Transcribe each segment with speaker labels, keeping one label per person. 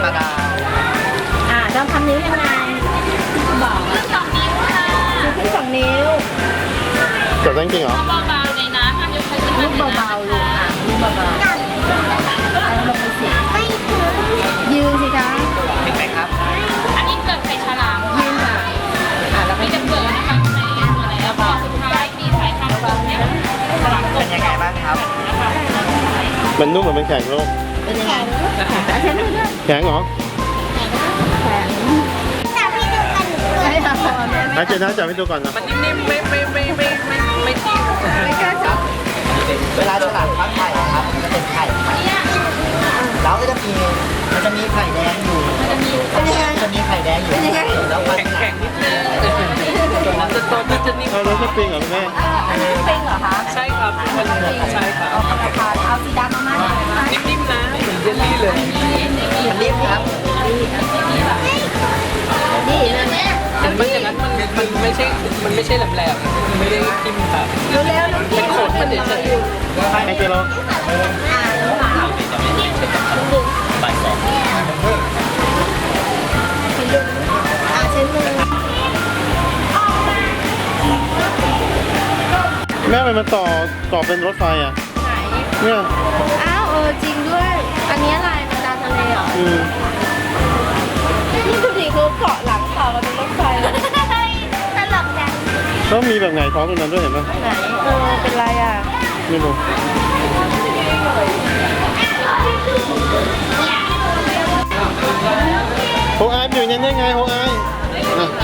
Speaker 1: มาดาว
Speaker 2: เราทำนิ้วยังไงบอกขึ้น2 นิ้วค่ะขึ้น2 นิ้ว
Speaker 3: จบได้จริงเหรอ
Speaker 4: เบาๆในน้ำทำยกขึ้น
Speaker 2: ลูกเบาๆลูกลูกเบาๆเอาลงไปสิยืนสิคะ
Speaker 1: เห็นไหมครับ
Speaker 4: อันนี้เกิดไข่ฉลาม
Speaker 2: ยืนค่ะแล้วก็
Speaker 4: มีจะเกิดนะคะในอะไรแล้วก็สุดท้ายมีสายพันธุ์ของเนี่ยฉลามก
Speaker 1: เป็นยังไงบ้างครับ
Speaker 3: มันนุ่มเหมือนเป็นแข็งลูก
Speaker 2: เป็นยังไงเอาเช็ดมือด้วย
Speaker 3: แข็งเหรอ
Speaker 2: ไม่เอาเนี่ย
Speaker 3: อาเจน่าจับให้ดูก่อนนะ
Speaker 1: มันนิ่มๆไม่ทิ้ง
Speaker 2: ไม่กล้าจับ
Speaker 1: เวลาฉลามฟักไข่ครับมันจะเป็นไข่แล้วก็จะมีไข่แดงอยู่ จะมีไข่แดงอยู่แล้วมันแข็งนิดนึงมันจะโตมันจะนิ่ม
Speaker 3: เอารถสปริงเหรอคุณแม่
Speaker 2: เป็นเหรอคะ
Speaker 1: ใช่ครับมันใช่ครับ
Speaker 2: เอาสีดำมาหน่อยไหม
Speaker 1: นิ่มๆนะเหมือนเยลลี่เลยมันนิ่มครับ
Speaker 2: นี่นะแม่
Speaker 1: มันอย่างนั้นมันไม่ใช่แหลมๆมันไม่ได้ทิ่มครับ
Speaker 2: เร็วๆน้องพี่
Speaker 1: เป็นขนมันเฉย
Speaker 3: ให้เจโร่
Speaker 2: เช็ดมือ
Speaker 3: แม่มันต่อเป็นรถไฟอ่ะ
Speaker 2: ไหน
Speaker 3: เนี่ย
Speaker 2: อ้าวจริงด้วย อันนี้อะไรมันตาทะเลเหรอ นี่ดูดิเขาเกาะหลังต่อกันเป็นรถไฟเลยตลกจัง
Speaker 3: แล้วมีแบบไงท้องตรงนั้นด้วยเห็นไหม
Speaker 2: ไหนเป็นไรอ่ะ
Speaker 3: ไม่รู้โฮอายอยู่อย่างนั้นได้ไงโฮอายอ่ะ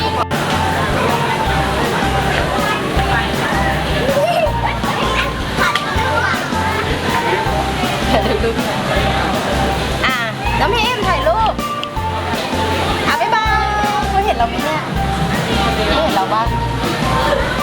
Speaker 2: อ่ะน้องพิมถ่ายรูปบ๊ายบายเขาเห็นเราไหมเนี่ยไม่เห็นเราบ้าง